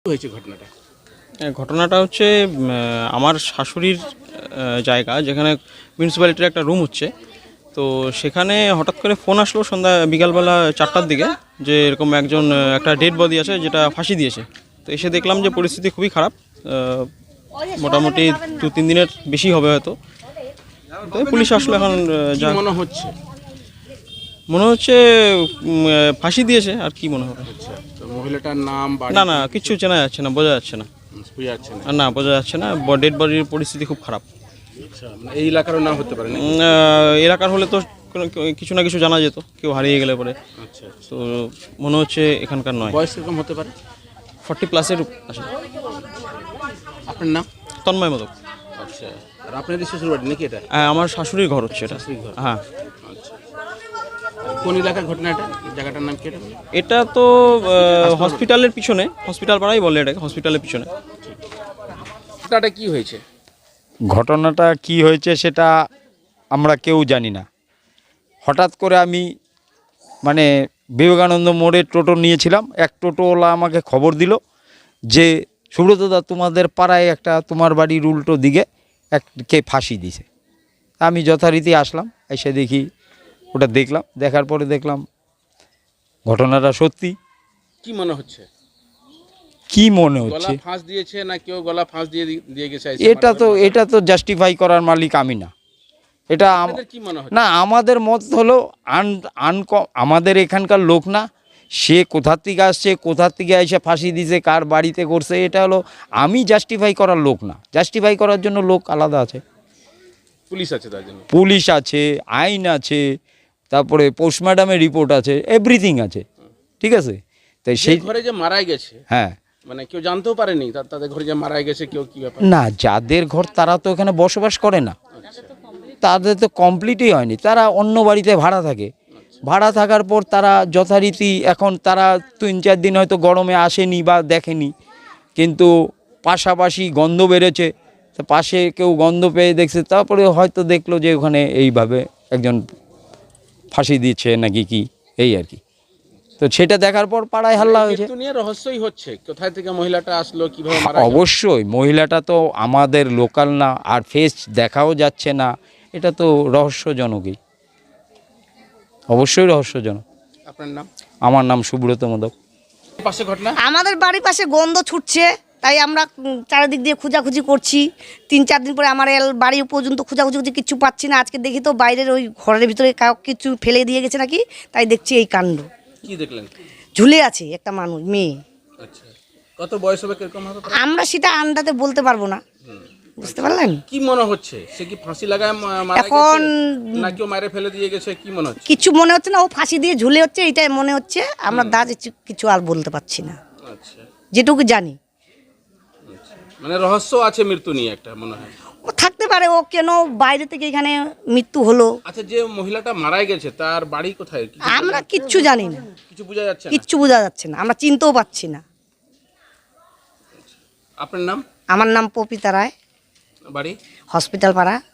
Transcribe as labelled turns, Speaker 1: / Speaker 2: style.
Speaker 1: হয়েছে ঘটনাটা?
Speaker 2: ঘটনাটা হচ্ছে আমার শাশুড়ির জায়গা, যেখানে মিউনিসিপ্যালিটির একটা রুম হচ্ছে। তো সেখানে হঠাৎ করে ফোন আসলো সন্ধ্যা বিকালবেলা 4টার দিকে, যে এরকম একজন একটা ডেড বডি আছে যেটা ফাঁসি দিয়েছে। তো এসে দেখলাম যে পরিস্থিতি খুবই খারাপ, মোটামুটি 2-3 দিনের বেশি হবে হয়তো। তো পুলিশ আসলো এখন।
Speaker 1: কি মনে হচ্ছে?
Speaker 2: মনে হচ্ছে ফাঁসি দিয়েছে, আর কি মনে হবে।
Speaker 1: আচ্ছা, তো মহিলাটার নাম, বাড়ি?
Speaker 2: না কিচ্ছু চেনা যাচ্ছে না, বোঝা যাচ্ছে না।
Speaker 1: বুঝা যাচ্ছে না?
Speaker 2: না, বোঝা যাচ্ছে না। ডেড বডির পরিস্থিতি খুব খারাপ।
Speaker 1: আচ্ছা, মানে এই এলাকারও নাম হতে পারে না?
Speaker 2: এলাকার হলে তো কিছু না কিছু জানা যেত, কেউ হারিয়ে গেলে পরে।
Speaker 1: আচ্ছা,
Speaker 2: তো মনে হচ্ছে এখানকার নয়।
Speaker 1: বয়স কিরকম হতে পারে?
Speaker 2: 40+ আছে।
Speaker 1: আপনার নাম?
Speaker 2: তন্ময় মোদক।
Speaker 1: আচ্ছা, আর আপনাদের শ্বশুর বাড়ি নাকি এটা?
Speaker 2: আমার শাশুড়ির ঘর হচ্ছে এটা।
Speaker 1: শাশুড়ির ঘর?
Speaker 2: হ্যাঁ।
Speaker 1: আচ্ছা, কোন এলাকার ঘটনা এটা? জায়গাটার নাম কি এটা?
Speaker 2: এটা তো হসপিটালের পিছনে, হসপিটাল পাড়াই বলে এটাকে, হসপিটালের পিছনে।
Speaker 1: ঘটনাটা কি হয়েছে?
Speaker 3: ঘটনাটা কি হয়েছে সেটা আমরা কেউ জানি না। হঠাৎ করে আমি বিবেকানন্দ মোড়ে টোটো নিয়েছিলাম, এক টোটোওয়ালা আমাকে খবর দিল যে সুব্রতদা, তোমাদের পাড়ায় একটা তোমার বাড়ির উল্টো দিকে কে ফাঁসি দিছে। আমি যথারীতি আসলাম, এসে দেখি ওটা দেখলাম, দেখার পরে দেখলাম ঘটনাটা সত্যি।
Speaker 1: কি মনে হচ্ছে?
Speaker 3: কি মনে
Speaker 1: গলা
Speaker 3: হচ্ছে,
Speaker 1: ফাঁস দিয়েছে না কেউ গলা ফাঁস দিয়ে গেছে?
Speaker 3: এটা তো জাস্টিফাই করার মালিক আমি না। এটা
Speaker 1: আপনাদের কি মনে হচ্ছে?
Speaker 3: না, আমাদের মত হলো আমাদের এখানকার লোক না, সে কোথার থেকে আসছে, কোথার থেকে এসে ফাঁসি দিছে, কার বাড়িতে করছে, এটা হলো আমি জাস্টিফাই করার লোক না। জাস্টিফাই করার জন্য লোক আলাদা আছে,
Speaker 1: পুলিশ আছে তার জন্য।
Speaker 3: পুলিশ আছে, আইন আছে, তারপরে পোস্টমর্টমের রিপোর্ট আছে, এভরিথিং আছে, ঠিক আছে। তাই সেই
Speaker 1: ঘরে যে মারা গেছে,
Speaker 3: হ্যাঁ,
Speaker 1: মানে কেউ জানতেও পারেনি তাদের ঘরে যে মারা গেছে, কেউ কি ব্যাপার?
Speaker 3: না, যাদের ঘর তারা তো এখানে বসবাস করে না, তাদের তো কমপ্লিটই হয়নি, তারা অন্য বাড়িতে ভাড়া থাকে। ভাড়া থাকার পর তারা যথারীতি, এখন তারা 3-4 দিন হয়তো গরমে আসেনি বা দেখেনি, কিন্তু পাশাপাশি গন্ধ বেরোচ্ছে, তো পাশে কেউ গন্ধ পেয়ে দেখছে, তারপরে হয়তো দেখলো যে ওখানে এইভাবে একজন ফাঁসি দিচ্ছে নাকি কি, এই আর কি। তো সেটা দেখার পর পাড়ায় হাল্লা হয়েছে।
Speaker 1: মৃত্যু নিয়ে রহস্যই হচ্ছে, কোথায় থেকে মহিলাটা আসলো, কিভাবে মারা গেল?
Speaker 3: অবশ্যই মহিলাটা তো আমাদের লোকাল না, আর ফেস দেখাও যাচ্ছে না, এটা তো রহস্যজনকই, অবশ্যই রহস্যজনক।
Speaker 1: আপনার নাম?
Speaker 3: আমার নাম সুব্রত মোদক।
Speaker 1: পাশে ঘটনা?
Speaker 4: আমাদের বাড়ির পাশে গন্ধ ছুটছে, তাই আমরা চারিদিক দিয়ে খোঁজাখুঁজি করছি। 3-4 দিন পরে আমার বাড়ি পর্যন্ত খোঁজাখুঁজি কিছু পাচ্ছি না। আজকে দেখি তো বাইরের ওই ঘরের ভিতরে কিছু ফেলে দিয়ে গেছে নাকি, তাই দেখছি এই কাণ্ড।
Speaker 1: কি দেখলেন?
Speaker 4: ঝুলে আছে একটা মানুষ, মেয়ে।
Speaker 1: আচ্ছা, কত বয়স হবে, কিরকম হবে?
Speaker 4: আমরা সেটা আন্দাজে বলতে পারবো না, বুঝতে পারলেন?
Speaker 1: কি মনে হচ্ছে, সে কি ফাঁসি লাগায় মারা
Speaker 4: এখন
Speaker 1: গেছে না কেউ মারে ফেলে দিয়ে গেছে, কি মনে হচ্ছে?
Speaker 4: কিছু মনে হচ্ছে না, ও ফাঁসি দিয়ে ঝুলে হচ্ছে, এইটাই মনে হচ্ছে। আমরা কিছু আর বলতে পারছি না,
Speaker 1: আচ্ছা,
Speaker 4: যেটুকু জানি।
Speaker 1: মানে রহস্য আছে মৃত্যু নিয়ে একটা, মনে হয়।
Speaker 4: ও থাকতে পারে, ও কেন বাইরে থেকে এখানে মৃত্যু হলো।
Speaker 1: আচ্ছা, যে মহিলাটা মারা গেছে তার বাড়ি কোথায়?
Speaker 4: আমরা কিচ্ছু জানি না,
Speaker 1: কিছু বোঝা যাচ্ছে না?
Speaker 4: কিচ্ছু বোঝা যাচ্ছে না, আমরা চিনতেও পাচ্ছি না।
Speaker 1: আপনার নাম?
Speaker 4: আমার নাম পপিতা রায়,
Speaker 1: বাড়ি?
Speaker 4: হসপিটাল পাড়া।